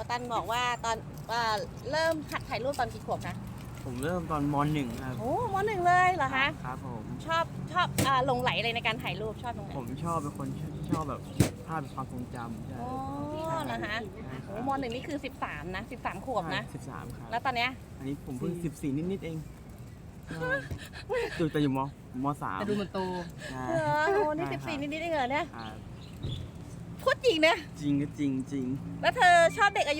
วตันบอกว่าตอนเริ่มหัดถ่ายรูปตอนกี่ขวบนะผมเริ่มตอนม .1 ครับโอ้มหนึ่งเลยเหรอคะครับผมชอบหลงไหลอะไรในการถ่ายรูปชอบตรงไหนผมชอบเป็นคนชอบแบบภาพเป็นความทรงจำใช่อ๋อเหรอคะโอ้มหนึ่งนี่คือ13นะ13ขวบนะ 13 ครับแล้วตอนเนี้ยอันนี้ผมเพิ่ง14 นิดๆเองอยู่แต่อยู่ม .3 แต่ดูมันโตใช่เหรอโอ้นี่14นิดๆเองเหรอเนี่ยครับพูดจริงนะจริงก็จริงจริงแล้วเธอชอบเด็กอายุ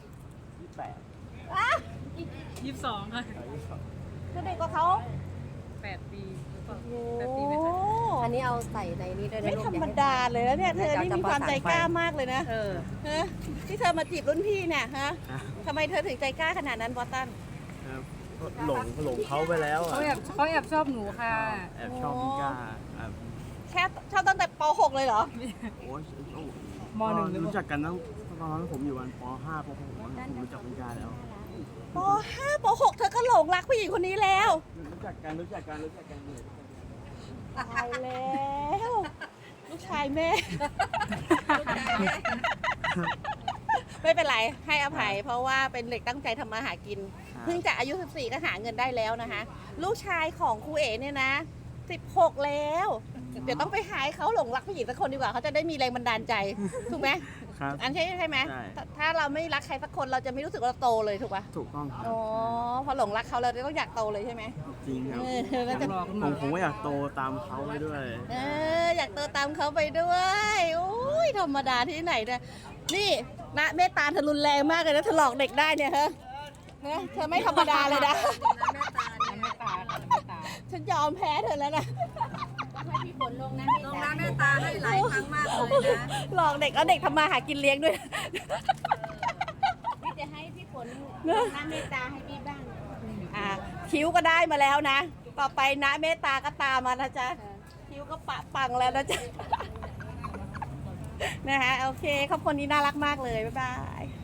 28 อ่ะ 22 ค่ะคือเด็กกว่าเขา 8 ปีหรือเปล่าโอ้ 8 ปีไหมคะอันนี้เอาใส่ในนี้ด้วยนะไม่ลูกธรรมดาเลยแล้วเนี่ยเธอนี่มีความใจกล้ามากเลยนะเออฮะที่เธอมาจีบรุ่นพี่เนี่ยฮะทำไมเธอถึงใจกล้าขนาดนั้นบอสตันครับหลงเขาไปแล้วอะเขาแอบชอบหนูค่ะแอบชอบพี่ก้าครับแค่ชอบตั้งแต่ป .6 เลยเหรอโอ้ยมหนึ่งหรือรู้จักกันตั้งตอนนั้นผมอยู่วันป .5 ป .6 ผมรู้จักพี่ก้าแล้วป .5 ป .6 เธอก็หลงรักผู้หญิงคนนี้แล้วรู้จักกันเลยตายแล้วลูกชายแม่ ไม่เป็นไรให้อภัย เพราะว่าเป็นเด็กตั้งใจทำมาหากิน เพิ่งจะอายุ 14 ก็หาเงินได้แล้วนะคะ ลูกชายของครูเอ๋เนี่ยนะ 16 แล้ว เดี๋ยวต้องไปหาให้เขาหลงรักผู้หญิงสักคนดีกว่าเขาจะได้มีแรงบันดาลใจ ถูกไหมครับอันใช่ไหมใช่ถ้าเราไม่รักใครสักคนเราจะไม่รู้สึกว่าเราโตเลยถูกปะถูกต้องครับอ๋อพอหลงรักเขาเราจะต้องอยากโตเลยใช่ไหมจริงครับแล้วจะรอขึ้นผมามก็อยากโตตามเขาไปด้วยอยากโตตามเขาไปด้วยอุ้ยธรรมดาที่ไหนเนี่ยนี่นะเมตตาเธอรุนแรงมากเลยนะเธอหลอกเด็กได้เนี่ยฮะเธอไม่ธรรมดาเลยนะไม่ตาค่ะไม่ตาฉันยอมแพ้เธอแล้วนะลงน้ำแม่ตาให้หลายครั้งมากเลยนะหลอกเด็กเอาเด็กทำมาหากินเลี้ยงด้วยพี่จะให้พี่ฝนน้ำเมตตาให้พี่บ้างคิ้วก็ได้มาแล้วนะ ต่อไปนะเมตตาก็ตามมานะจ๊ะคิ้วก็ปะปังแล้วนะจ๊ะนะคะโอเคครอบครัวนี้น่ารักมากเลยบ๊ายบาย